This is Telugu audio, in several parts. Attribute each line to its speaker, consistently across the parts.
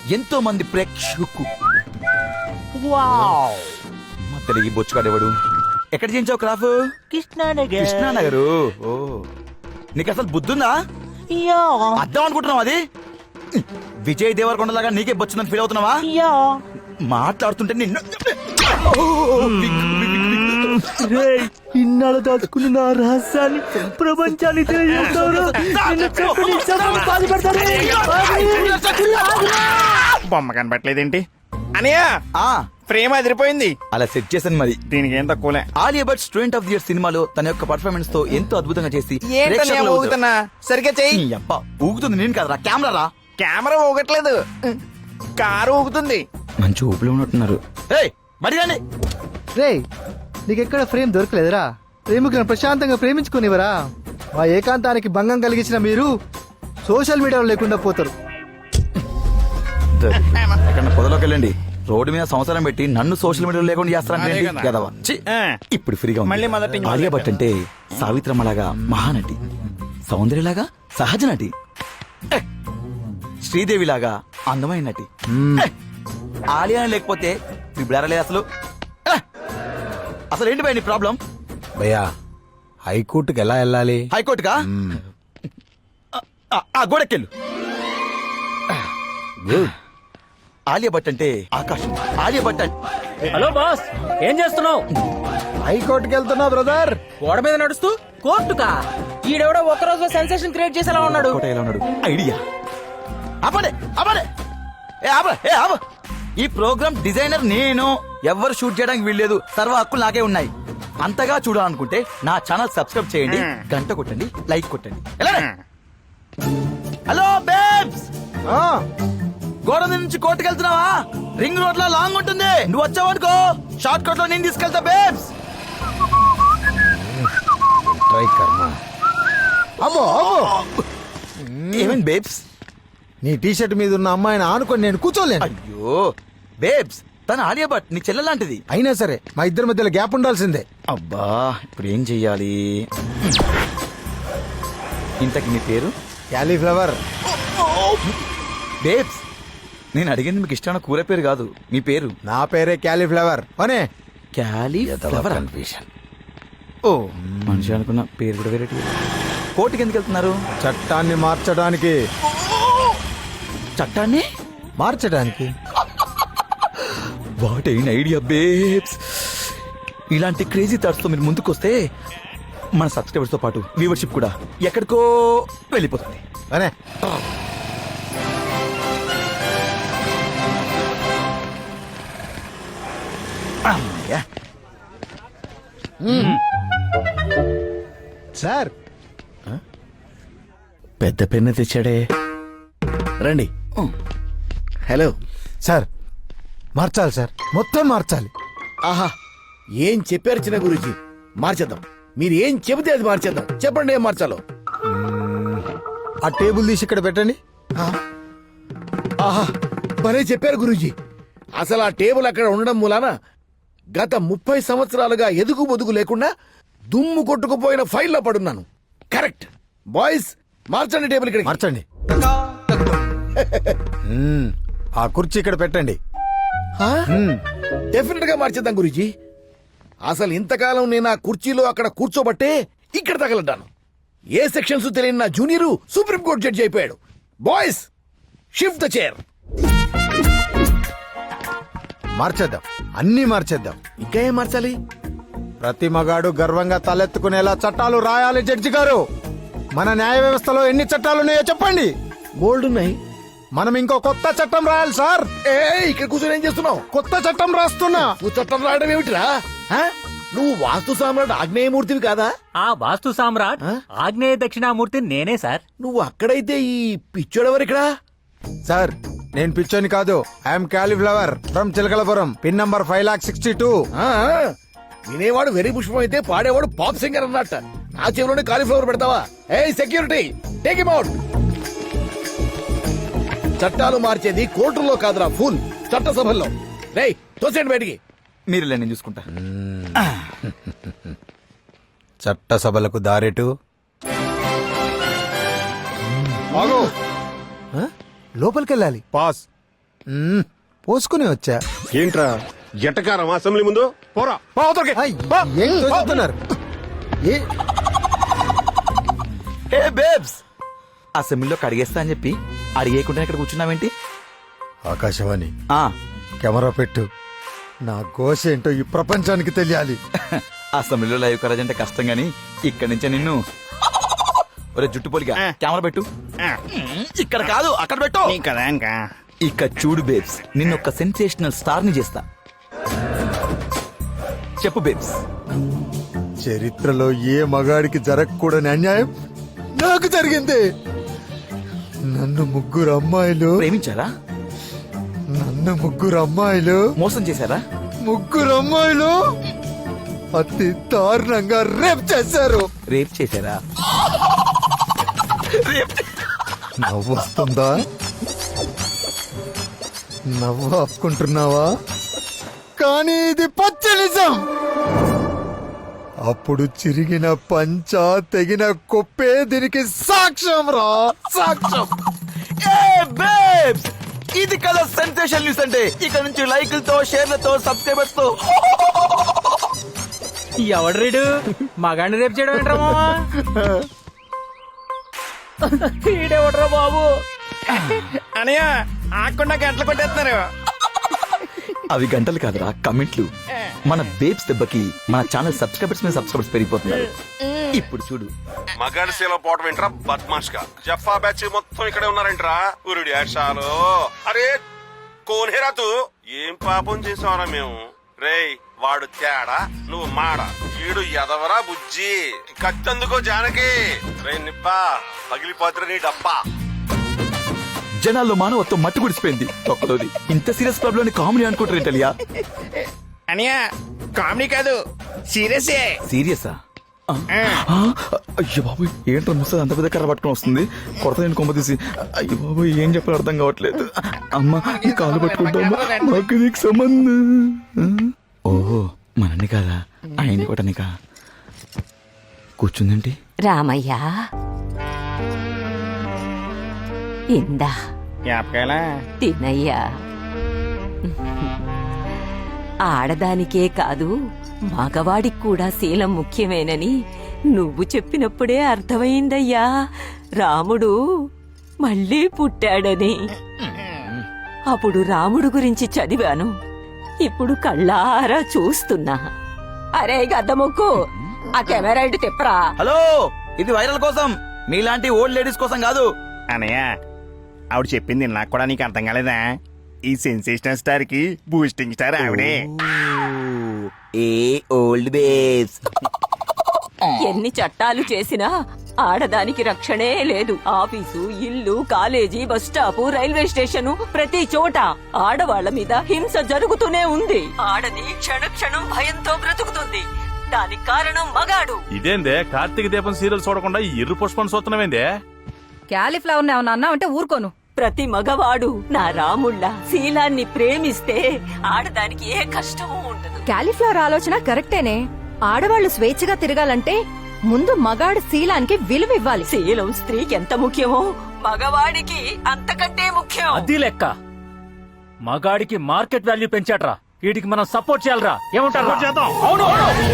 Speaker 1: ఎంతో మంది ప్రేక్షకు మధ్యలో ఈ బొచ్చుగాడేవాడు. ఎక్కడ చేయించావు క్రాఫ్? కృష్ణానగర్. ఓ నీకు అసలు బుద్ధుందా? అర్థం అనుకుంటున్నావు అది? విజయ్ దేవరకొండ లాగా నీకే బొచ్చిందని ఫీల్ అవుతున్నావా? మాట్లాడుతుంటే నిన్ను
Speaker 2: ఇన్నాళ్ళు దాచుకున్న నా రహస్యాన్ని ప్రపంచాన్ని
Speaker 3: బొమ్మ కనబట్టలేదేంటి అనయ్య? ప్రేమ అదిరిపోయింది.
Speaker 1: అలా సెట్ చేశాను మరి.
Speaker 3: దీనికి ఏం తక్కువలే.
Speaker 1: Alia Bhatt student of the year సినిమాలో తన యొక్క పర్ఫార్మెన్స్ తో ఎంతో అద్భుతంగా చేసి
Speaker 3: ఊగుతున్నా సరిగ్గా చెయ్యి.
Speaker 1: ఊగుతుంది నేను కదరా, కెమెరా రా.
Speaker 3: కెమెరా ఊగట్లేదు, కారు ఊగుతుంది.
Speaker 1: మంచి ఊపిలో ఉన్నట్టున్నారు.
Speaker 2: రే నీకెక్కడ ఫ్రేమ్ దొరకలేదురా? ప్రేమికులను ప్రశాంతంగా ప్రేమించుకునేవరా? మా ఏకాంతానికి భంగం కలిగించిన మీరు సోషల్ మీడియాలో లేకుండా పోతారు.
Speaker 1: ఎక్కడ పొదలోకి వెళ్ళండి. రోడ్డు మీద సంవత్సరం పెట్టి నన్ను సోషల్ మీడియాలో లేకుండా చేస్తారంటే ఇప్పుడు ఫ్రీగా
Speaker 3: మళ్ళీ మొదటి
Speaker 1: ఆలియా భట్ అంటే సావిత్రమ్మలాగా మహానటి, సౌందర్యలాగా సహజ నటి, శ్రీదేవిలాగా అందమైన నటి. ఆలియా లేకపోతే ఇప్పుడు అసలు అసలు ఏంటి భయ నీ ప్రాబ్లం?
Speaker 4: భయ్యా హైకోర్టుకి ఎలా వెళ్ళాలి?
Speaker 1: హైకోర్టుకా? గోడెక్కెళ్ళు. ఆలియా భట్ అంటే ఆకాశం. ఆలియా భట్ అంటే
Speaker 5: హలో బాస్, ఏం చేస్తున్నావు?
Speaker 4: హైకోర్టుకి వెళ్తున్నా బ్రదర్.
Speaker 5: గోడ మీద నడుస్తూ కోర్టుకా? ఈడెవడో ఒక రోజు సెన్సేషన్ క్రియేట్ చేసేలా ఉన్నాడు.
Speaker 1: ఎలా ఉన్నాడు? ఐడియా. ఈ ప్రోగ్రామ్ డిజైనర్ నేను. ఎవరు షూట్ చేయడానికి వీల్లేదు. సర్వ హక్కులు నాకే ఉన్నాయి. అంతగా చూడాలనుకుంటే నా ఛానల్ సబ్స్క్రైబ్ చేయండి, గంట కొట్టండి, లైక్ కొట్టండి. హలో బేబ్స్, గోడ నుంచి కోర్టుకు వెళ్తున్నావా? రింగ్ రోడ్ లో లాంగ్ ఉంటుంది. నువ్వు వచ్చావనుకో షార్ట్ కట్ లో నేను తీసుకెళ్తా బేబ్స్.
Speaker 4: ట్రై కర్మ.
Speaker 1: ఏమైంది బేబ్స్?
Speaker 4: నీ టీషర్ట్ మీద ఉన్న అమ్మాయిని ఆనుకొని నేను కూర్చోలేను.
Speaker 1: అయ్యో బేబ్స్, తన ఆలియా భట్ నీ చెల్లెలాంటిది.
Speaker 4: అయినా సరే మా ఇద్దరి మధ్యలో గ్యాప్ ఉండాల్సిందే.
Speaker 1: అబ్బా ఇప్పుడు ఏం చెయ్యాలి? ఇంతకి మీ పేరు?
Speaker 4: క్యాలీఫ్లవర్.
Speaker 1: బేబ్స్, నేను అడిగింది మీకు ఇష్టమైన కూర పేరు కాదు, మీ పేరు.
Speaker 4: నా పేరే క్యాలీఫ్లవర్. అనే
Speaker 1: క్యాలీఫ్లవర్. ఓ మనిషి అనుకున్న పేరు కూడా వేరే. కోర్టుకి ఎందుకు వెళ్తున్నారు?
Speaker 4: చట్టాన్ని మార్చడానికి.
Speaker 1: చట్టాన్ని
Speaker 4: మార్చడానికి?
Speaker 1: What an idea babes. ఇలాంటి క్రేజీ థాట్స్ తో మీరు ముందుకొస్తే మన సబ్స్క్రైబర్స్ తో పాటు వ్యూవర్షిప్ కూడా ఎక్కడికో వెళ్ళిపోతుంది.
Speaker 4: అనే సార్
Speaker 3: పెద్ద పెన్ను తెచ్చాడే. రండి. హలో
Speaker 4: సార్, మార్చాలి సార్, మొత్తం మార్చాలి.
Speaker 6: ఆహా, ఏం చెప్పారు చిన్న గురూజీ? మార్చేద్దాం. మీరు ఏం చెబితే అది మార్చేద్దాం. చెప్పండి ఏం మార్చాలో.
Speaker 4: ఆ టేబుల్ తీసి ఇక్కడ పెట్టండి.
Speaker 6: ఆహా, భలే చెప్పారు గురూజీ. అసలు ఆ టేబుల్ అక్కడ ఉండడం మూలాన గత 30 సంవత్సరాలుగా ఎదుగు బొదుగు లేకుండా దుమ్ము కొట్టుకుపోయిన ఫైల్లో పడున్నాను. కరెక్ట్. బాయ్స్, మార్చండి టేబుల్ ఇక్కడ.
Speaker 4: మార్చండి. ఆ కుర్చీ ఇక్కడ పెట్టండి.
Speaker 6: డెఫినెట్ గా మార్చేద్దాం గురూజీ. అసలు ఇంతకాలం నేను ఆ కుర్చీలో అక్కడ కూర్చోబట్టే ఇక్కడ తగలడ్డాను. ఏ సెక్షన్స్ తెలియని నా జూనియర్ సుప్రీంకోర్టు జడ్జి అయిపోయాడు. Boys, shift the chair.
Speaker 4: మార్చేద్దాం, అన్నీ మార్చేద్దాం.
Speaker 6: ఇంకా ఏం మార్చాలి?
Speaker 4: ప్రతి మగాడు గర్వంగా తలెత్తుకునేలా చట్టాలు రాయాలి. జడ్జి గారు, మన న్యాయ వ్యవస్థలో ఎన్ని చట్టాలున్నాయో చెప్పండి.
Speaker 6: బోల్డ్ ఉన్నాయి.
Speaker 4: మనం ఇంకో కొత్త చట్టం రాయాలి సార్.
Speaker 6: ఇక్కడ కూర్చొని ఏం చేస్తున్నావు?
Speaker 4: కొత్త చట్టం రాస్తున్నా.
Speaker 6: నువ్వు చట్టం రాయడం ఏమిటిరా? నువ్వు వాస్తు సామ్రాట్ ఆగ్నేయమూర్తివి కాదా?
Speaker 5: ఆ వాస్తు సామ్రాట్ ఆగ్నేయ దక్షిణామూర్తి నేనే సార్.
Speaker 6: నువ్వు అక్కడైతే ఈ పిచ్చోడెవరిక్కడ?
Speaker 4: సార్, నేను పిచ్చోని కాదు. I'm cauliflower from Chilakalapuram. Pin number 5,62,000.
Speaker 6: వినేవాడు వెరీ పుష్పం అయితే పాడేవాడు పాప్ సింగర్ అన్నట్ట. నా చెవిలోనే కాలీఫ్లవర్ పెడతావా? ఏ సెక్యూరిటీ, టేక్ హిమ్ అవుట్. చట్టాలు మార్చేది కోర్టుల్లో కాదురా, ఫుల్ చట్టసభల్లో. రేయ్, తోసేయండి బయటికి.
Speaker 1: మీరు నేను చూసుకుంటా.
Speaker 4: చట్టసభలకు దారెటు. లోపలికి వెళ్ళాలి. పాస్. పోసుకుని వచ్చా.
Speaker 7: ఏంట్రా జటకారం అసెంబ్లీ ముందు పోరా పో అవతలకి.
Speaker 4: ఆ, ఏం తోస్తున్నారు? ఏ
Speaker 1: ఏ బేబ్స్, అసెంబ్లీలో కడిగేస్తా అని చెప్పి అడిగేయకుండా ఇక్కడ కూర్చున్నావేంటి?
Speaker 4: ఆకాశవాణి
Speaker 1: ఆ,
Speaker 4: కెమెరా పెట్టు. నా ఘోష ఏంటో ఈ ప్రపంచానికి తెలియాలి.
Speaker 1: అసెంబ్లీలో లైవ్ కరాజ్ అంటే కష్టం గాని ఇక్కడి నుంచే నిన్ను ఒరే జుట్టు పొలిగా కెమెరా పెట్టు. ఇక్కడ కాదు, అక్కడ పెట్టు.
Speaker 3: కదా ఇంకా
Speaker 1: ఇక చూడు బేబ్స్, నిన్ను ఒక సెన్సేషనల్ స్టార్ ని చేస్తా. చెప్పు బేబ్స్.
Speaker 4: చరిత్రలో ఏ మగాడికి జరగకూడని అన్యాయం నాకు జరిగింది. నన్ను ముగ్గురు అమ్మాయిలు
Speaker 1: ప్రేమించారా?
Speaker 4: మోసం
Speaker 1: చేశారా?
Speaker 4: అతి దారుణంగా రేప్ చేశారు.
Speaker 1: రేప్ చేశారా?
Speaker 4: నవ్వు వస్తుందా? నవ్వు ఆపుకుంటున్నావా? కానీ ఇది పచ్చ నిజం. అప్పుడు చిరిగిన పంచ తెగిన కొప్పే దీనికి సాక్ష్యం రా, సాక్ష్యం.
Speaker 1: ఏ బేబ్స్, ఇది కదా సెన్సేషన్ న్యూస్ అంటే. ఇక్కడ నుంచి లైకులతో, షేర్లతో, సబ్స్క్రైబర్స్ తో.
Speaker 5: ఎవడు రీడు మగాడిని రేపు చేయడం ఏంట్రా మావా? ఈడెవడ్రా బాబు?
Speaker 3: అనయ్య ఆకుండా గంటలు కొట్టేస్తున్నారు.
Speaker 1: అవి గంటలు కాదురా, కమెంట్లు. మన బేబ్స్ దెబ్బకి మన ఛానల్ సబ్స్క్రైబర్స్ మీద సబ్స్క్రైబర్స్ పెరిగిపోతున్నారు. ఇప్పుడు చూడు.
Speaker 7: మగాడి సేలో పోవటం ఏంట్రా బద్మాష్ గా. జఫా బ్యాచ్ మొత్తం ఇక్కడే ఉన్నారేంట్రా. ఉరుడి యాషాలు. అరే కోనేరా తూ. ఏం పాపం చేసావరా మేము. రేయ్ వాడు తేడా, నువ్వు మాడ. ఈడు ఎదవరా బుజ్జి. కత్తందుకో జానకి. రే నిబ్బా పగిలిపోతురా నీ డబ్బా.
Speaker 1: జనాల్లో మానవత్వం మట్టి గుడిసిపోయింది. ఒక్కలోది ఇంత సీరియస్ ప్రాబ్లం కామెడీ అనుకుంటారు తెలియా?
Speaker 3: అనయ్య కామెడీ కాదు, సీరియసే.
Speaker 1: సీరియసా? అయ్యో బాబు, ఏంట్రా ముసలి అంత పెద్ద కర్ర పట్టుకుని వస్తుంది. కొడత నేను కొమ్మ తీసి. అయ్యో బాబు, ఏం చెప్పాలో అర్థం కావట్లేదు. అమ్మా ఈ కాలు పట్టుకుంటామా? మాకు నీకు సంబంధం. ఓహో మనని కాదా, ఆయన్ని కొట్టనికా. కూర్చుందేంటి?
Speaker 8: రామయ్య ఇందా
Speaker 3: జ్ఞాపకాలా
Speaker 8: తినయ్యా. ఆడదానికే కాదు మగవాడికి కూడా శీలం ముఖ్యమేనని నువ్వు చెప్పినప్పుడే అర్థమైందయ్యా. రాముడు మళ్ళీ పుట్టాడని. అప్పుడు రాముడు గురించి చదివాను, ఇప్పుడు కళ్ళారా చూస్తున్నా. అరే గద్దముక్కు, ఆ కెమెరా ఇటు తిప్పరా.
Speaker 1: హలో, ఇది వైరల్ కోసం, మీలాంటి ఓల్డ్ లేడీస్ కోసం కాదు.
Speaker 3: అనయ్య ఆవిడ చెప్పింది నాకు కూడా నీకు అర్థం కాలేదా? ఈ సెన్సేషనల్ స్టార్ కి బూస్టింగ్ స్టార్ ఆవిడే.
Speaker 1: ఏ ఓల్డ్ బేబ్స్.
Speaker 8: ఎన్ని చట్టాలు చేసినా ఆడదానికి రక్షణే లేదు. ఆఫీసు, ఇల్లు, college, bus stop, railway station, ప్రతి చోట ఆడవాళ్ల మీద హింస జరుగుతూనే ఉంది. ఆడది క్షణక్షణం భయంతో బ్రతుకుతుంది. దానికి కారణం మగాడు.
Speaker 9: ఇదేందే కార్తీక దీపం సీరియల్ చూడకుండా ఈ ఎర్ర పుష్పం చూస్తున్నామేందే?
Speaker 10: క్యాలీఫ్లవర్ ఏమన్నా అన్నావంటే ఊరుకోను.
Speaker 8: ప్రతి మగవాడు నా రాముళ్ళ శీలాన్ని ప్రేమిస్తే ఆడదానికి ఏ కష్టమూ ఉండదు.
Speaker 10: క్యాలీఫ్లవర్ ఆలోచన కరెక్టేనే. ఆడవాళ్లు స్వేచ్ఛగా తిరగాలంటే ముందు మగాడు శీలానికి విలువ ఇవ్వాలి.
Speaker 8: శీలం స్త్రీకి ఎంత ముఖ్యమో మగవాడికి అంతకంటే ముఖ్యం.
Speaker 9: అది లెక్క. మగాడికి మార్కెట్ వాల్యూ పెంచాడ్రా, వీటికి మనం సపోర్ట్ చేయాలరా. ఏమంటారు? చేద్దాం. అవును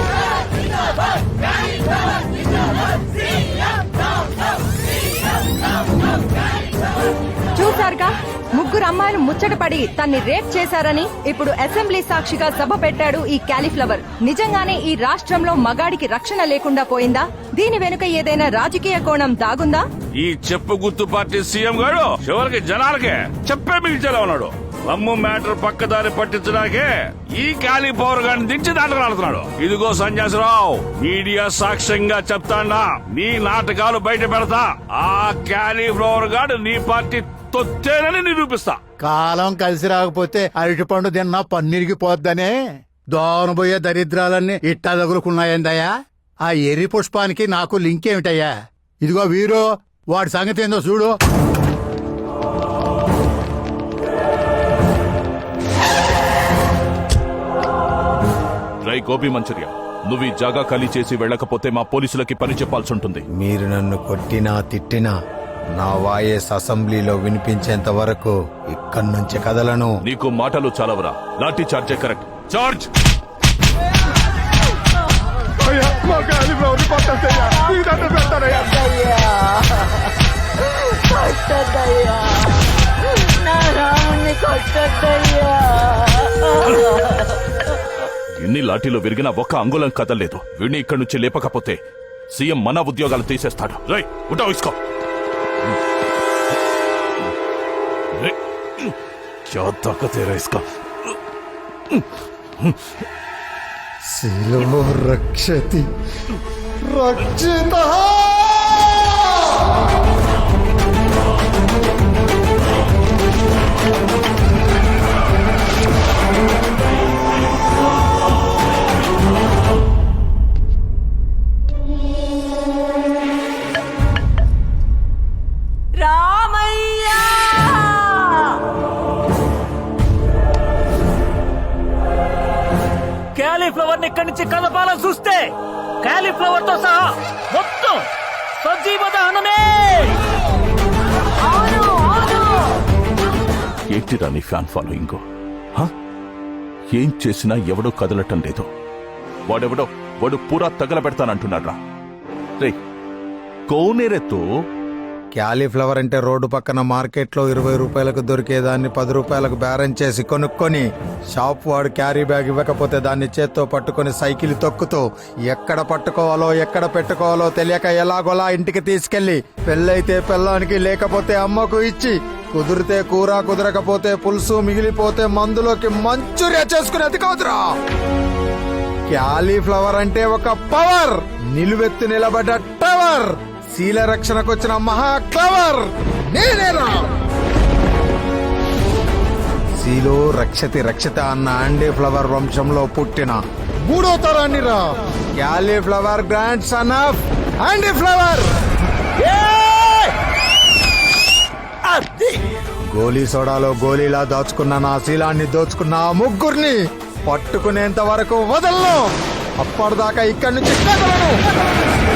Speaker 10: చూసారుగా, ముగ్గురు అమ్మాయిలు ముచ్చటపడి తన్ని రేప్ చేశారని ఇప్పుడు అసెంబ్లీ సాక్షిగా సభ పెట్టాడు ఈ క్యాలీఫ్లవర్. నిజంగానే ఈ రాష్ట్రంలో మగాడికి రక్షణ లేకుండా పోయిందా? దీని వెనుక ఏదైనా రాజకీయ కోణం దాగుందా?
Speaker 9: ఈ చెప్పు గుర్తు పార్టీ సీఎం గారు చివరికి జనాలకే చెప్పే మిగిల్చేలా ఉన్నాడు. అమ్ము మ్యాటర్ పక్కదారి పట్టించడానికే ఈ క్యాలీఫ్లవర్ గారిని దించి దాంట్లో ఆడుతున్నాడు. ఇదిగో సన్యాసరావు, మీడియా సాక్ష్యంగా చెప్తాడా, నీ నాటకాలు బయట పెడతా. ఆ క్యాలీఫ్లవర్ గారు నీ పార్టీ తొత్తేనని నిరూపిస్తా.
Speaker 4: కాలం కలిసి రాకపోతే అరటి పండు తిన్నా పన్నీరికి పోద్దనే దోనబోయే దరిద్రాలన్నీ ఇట్టా తగులుకున్నాయందయ్యా. ఆ ఎర్రి పుష్పానికి నాకు లింక్ ఏమిటయ్యా? ఇదిగో వీరు, వాడి సంగతి ఏందో చూడు.
Speaker 9: రై గోపి మంచూరియా, నువ్వు ఈ జాగా ఖాళీ చేసి వెళ్ళకపోతే మా పోలీసులకి పని చెప్పాల్సి ఉంటుంది.
Speaker 4: మీరు నన్ను కొట్టినా తిట్టినా నా వాయిస్ అసెంబ్లీలో వినిపించేంత వరకు ఇక్కడి నుంచి కదలను.
Speaker 9: నీకు మాటలు చాలవరా? లాఠీ చార్జే కరెక్ట్. చార్జ్! ఎన్ని లాఠీలో విరిగినా ఒక్క అంగుళం కదలేదు. వీడిని ఇక్కడి నుంచి లేపకపోతే సీఎం మన ఉద్యోగాలు తీసేస్తాడు. రై ఉంటా ఇసుకో. क्या ताकत है इसका?
Speaker 2: శిలో రక్షతి రక్షిత.
Speaker 8: రామయ్యా!
Speaker 5: క్యాలీఫ్లవర్ ఇక్కడి నుంచి కదపాలని చూస్తే క్యాలీఫ్లవర్ తో సహా మొత్తం సజీవ దహనమే.
Speaker 9: ఏంటిరా నీ ఫ్యాన్ ఫాలోయింగ్? ఏం చేసినా ఎవడో కదలటం లేదు. వాడు పూరా తగలబెడతానంటున్నాడు రా. రే కోనేరెత్తు.
Speaker 4: క్యాలీఫ్లవర్ అంటే రోడ్డు పక్కన మార్కెట్లో 20 రూపాయలకు దొరికేదాన్ని 10 రూపాయలకు బేరం చేసి కొనుక్కొని షాప్ వాడు క్యారీ బ్యాగ్ ఇవ్వకపోతే దాన్ని చేత్తో పట్టుకొని సైకిల్ తొక్కుతూ ఎక్కడ పట్టుకోవాలో ఎక్కడ పెట్టుకోవాలో తెలియక ఎలాగోలా ఇంటికి తీసుకెళ్లి పెళ్ళైతే పెళ్ళానికి లేకపోతే అమ్మకు ఇచ్చి కుదిరితే కూర కుదరకపోతే పులుసు మిగిలిపోతే మందులోకి మంచూరియా చేసుకునేది కాదురా. క్యాలీఫ్లవర్ అంటే ఒక పవర్, నిలువెత్తు నిలబడ్డ టవర్, శీల రక్షణకు వచ్చిన మహా క్లవర్ నేనేరా. శీలో రక్షతి రక్షిత అన్న ఆండీ ఫ్లవర్ వంశంలో పుట్టిన 3వ తరాన్ని రా. Cauliflower grandson of Andy flower. గోలీ సోడాలో గోలీలా దాచుకున్న నా శీలాన్ని దోచుకున్న ఆ ముగ్గురిని పట్టుకునేంత వరకు వదలను. అప్పటిదాకా ఇక్కడి నుంచి కదలను.